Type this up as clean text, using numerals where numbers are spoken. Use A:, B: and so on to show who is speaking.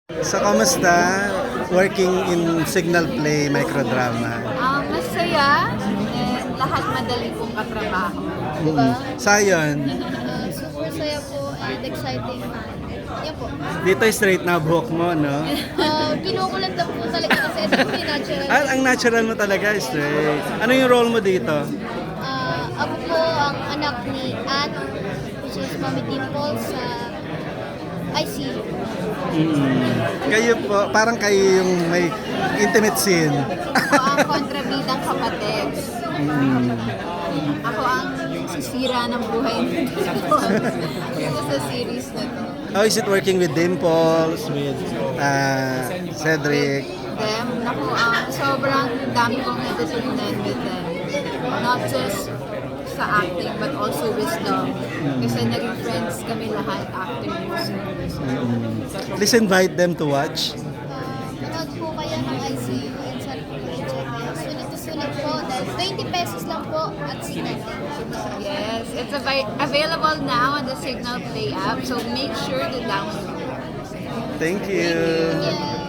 A: So, kamusta? Working in Signal Play microdrama.
B: Masaya and lahat madali pong katrabaho.
C: Diba?
A: Sayon,
C: Super saya po and exciting. Yan po.
A: dito straight na buhok mo, no?
C: Kinukulat lang po talaga kasi ito po yung natural.
A: Ang natural mo talaga, straight. Ano yung role mo dito?
C: Ako po ang anak ni Anne, which is Mami Dimple sa ICU.
A: Kayo po, parang kayo yung may intimate scene.
B: Ako ang kontrabidang kapatid. Ako ang sisira ng buhay nito. Dito sa series na to.
A: How is it working with Dimples, with Cedric?
B: Them, naku, sobrang dami kong natutunan with them. Not just sa acting, but also wisdom. Kasi naging friends kami lahat actors.
A: Please invite them to watch.
C: Manood po kayo ng ICU and sa sulit to sulit po dahil 20 pesos lang po at sinet.
B: Yes, it's available now on the Signal Play app, so make sure to download.
A: Thank you.
C: Yeah.